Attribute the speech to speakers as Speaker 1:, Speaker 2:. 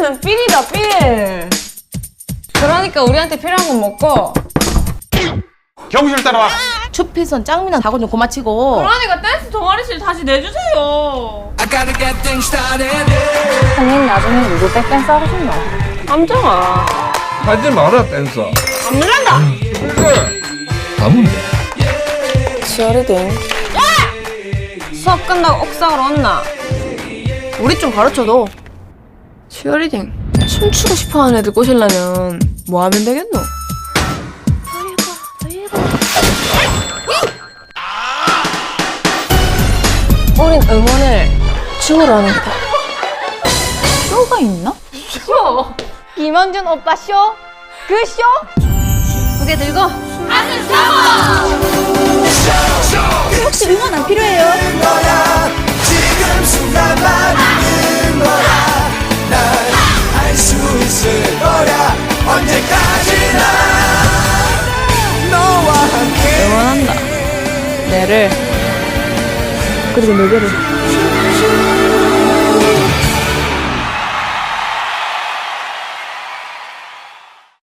Speaker 1: 댄스는 필이다, 필. 그러니까 우리한테 필요한 건 먹고.
Speaker 2: 경실 따라와.
Speaker 3: 추필선 짱미나 다고 좀 고마치고.
Speaker 1: 그러니까 댄스 동아리실 다시 내주세요.
Speaker 4: 선생님 나중에 누구 백댄스 하고 싶노?
Speaker 1: 함정아.
Speaker 5: 하지 마라 댄서.
Speaker 1: 안 물란다.
Speaker 5: 그래. 가면 돼.
Speaker 1: 치어리딩. 수업 끝나고 옥상으로 온나?
Speaker 3: 우리 좀 가르쳐도.
Speaker 1: 치어리딩. 춤추고 싶어하는 애들 꼬시려면 뭐 하면 되겠노? 우린 응원을 춤으로 하는 거다.
Speaker 4: 쇼가 있나?
Speaker 1: 쇼!
Speaker 4: 김원준 오빠 쇼? 그 쇼?
Speaker 1: 고개 들고
Speaker 4: 혹시 응원 안 필요해요?
Speaker 6: 지금 순간만 있는 거야. 난 알 수 있을 거야. 언제까지나 너와 함께
Speaker 1: 응원한다. 내를
Speaker 4: 그리고 내 개를